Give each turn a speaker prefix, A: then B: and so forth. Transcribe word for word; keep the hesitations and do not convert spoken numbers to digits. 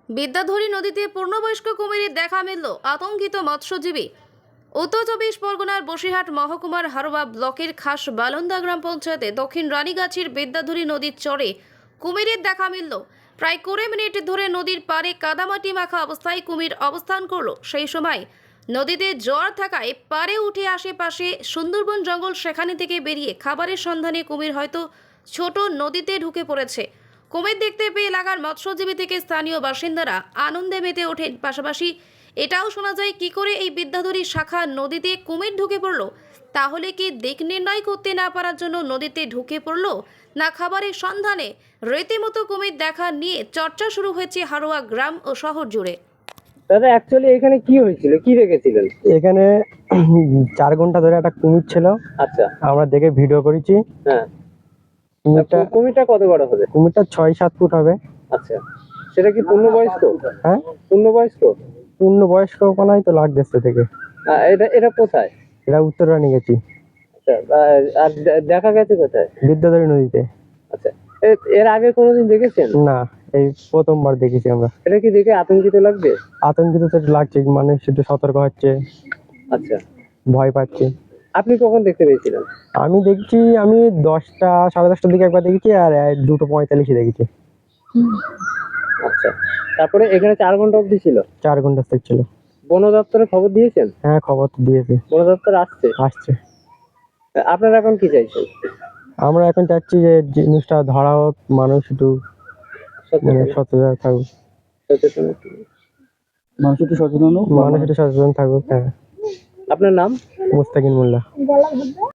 A: বিদ্যাধরী নদীতে পূর্ণবয়স্ক কুমিরের দেখা মিলল, আতঙ্কিত মৎস্যজীবী। উত্তর চব্বিশ পরগনার বসিরহাট মহকুমার হারোয়া ব্লকের খাস বালন্দা গ্রাম পঞ্চায়েতে দক্ষিণ রানীগাছির বিদ্যাধরী নদীর চরে কুমিরের দেখা মিলল। প্রায় কুড়ি মিনিট ধরে নদীর পাড়ে কাদামাটি মাখা অবস্থায় কুমির অবস্থান করল। সেই সময় নদীতে জোয়ার থাকায় পাড়ে উঠে আশেপাশে সুন্দরবন জঙ্গল, সেখানে থেকে বেরিয়ে খাবারের সন্ধানে কুমির হয়তো ছোট নদীতে ঢুকে পড়েছে। কুমির দেখতে পেয়ে এলাকার মৎস্যজীবী থেকে স্থানীয় বাসিন্দারা আনন্দে মেতে ওঠেন। পাশাপাশি এটাও শোনা যায়, কি করে এই বিদ্যাধরী শাখা নদীতে কুমির ঢুকে পড়লো? তাহলে কি দিক নির্ণয় করতে না পারার জন্য নদীতে ঢুকে পড়লো, না খাবারের সন্ধানে? রীতিমতো কুমির দেখা নিয়ে চর্চা শুরু হয়েছে হারোয়া গ্রাম ও শহর জুড়ে।
B: দাদা, অ্যাকচুয়ালি এখানে কি হয়েছিল, কি দেখেছিলেন?
C: এখানে চার ঘন্টা ধরে একটা কুমির ছিল।
B: আচ্ছা,
C: আমরা দেখে ভিডিও করেছি।
B: হ্যাঁ।
C: কুমিরটা
B: কুমিরটা কত বড় হবে?
C: কুমিরটা ছয় সাত ফুট হবে।
B: আচ্ছা, সেটা কি পূর্ণবয়স্ক?
C: হ্যাঁ,
B: পূর্ণবয়স্ক।
C: পূর্ণ বয়স্ক কোনায় তো লাগতেছে থেকে।
B: আহ, এটা এটা কোথায়?
C: এটা উত্তর রানী গেছি।
B: আচ্ছা, আহ, আর দে- দেখা গেছে কোথায়?
C: বিদ্যাধরী নদীতে।
B: আচ্ছা, এ- এর আগে কোনোদিন দেখেছেন?
C: না, এই প্রথমবার দেখেছি আমরা।
B: এটা কি দেখে আতঙ্কিত লাগবে?
C: আতঙ্কিত তো একটু লাগছে, মানুষ একটু সতর্ক হচ্ছে,
B: আচ্ছা,
C: ভয় পাচ্ছে।
B: আপনি কখন দেখতে পেয়েছিলেন?
C: আমি দেখছি, আমি দশটা সাড়ে দশটার দিকে একবার দেখেছি, আর এই দুটো পঁয়তাল্লিশে দেখেছি।
B: আচ্ছা, তারপরে এখানে চার ঘন্টা অবধি ছিল?
C: চার ঘন্টা থেকে ছিল।
B: বন দপ্তরে খবর দিয়েছেন?
C: হ্যাঁ, খবর তো দিয়েছে,
B: বন দপ্তর আসছে।
C: আসছে।
B: আপনারা এখন কি চাইছেন?
C: আমরা এখন চাচ্ছি যে জিনিসটা ধরা হোক, মানুষ একটু মানে
B: সচেতন
C: সচেতন থাকুক,
B: সচেতন একটু।
C: মানুষ একটু সচেতন হোক, মানুষ একটু সচেতন থাকুক। হ্যাঁ।
B: আপনার নাম?
C: মুস্তাকিন মোল্লা।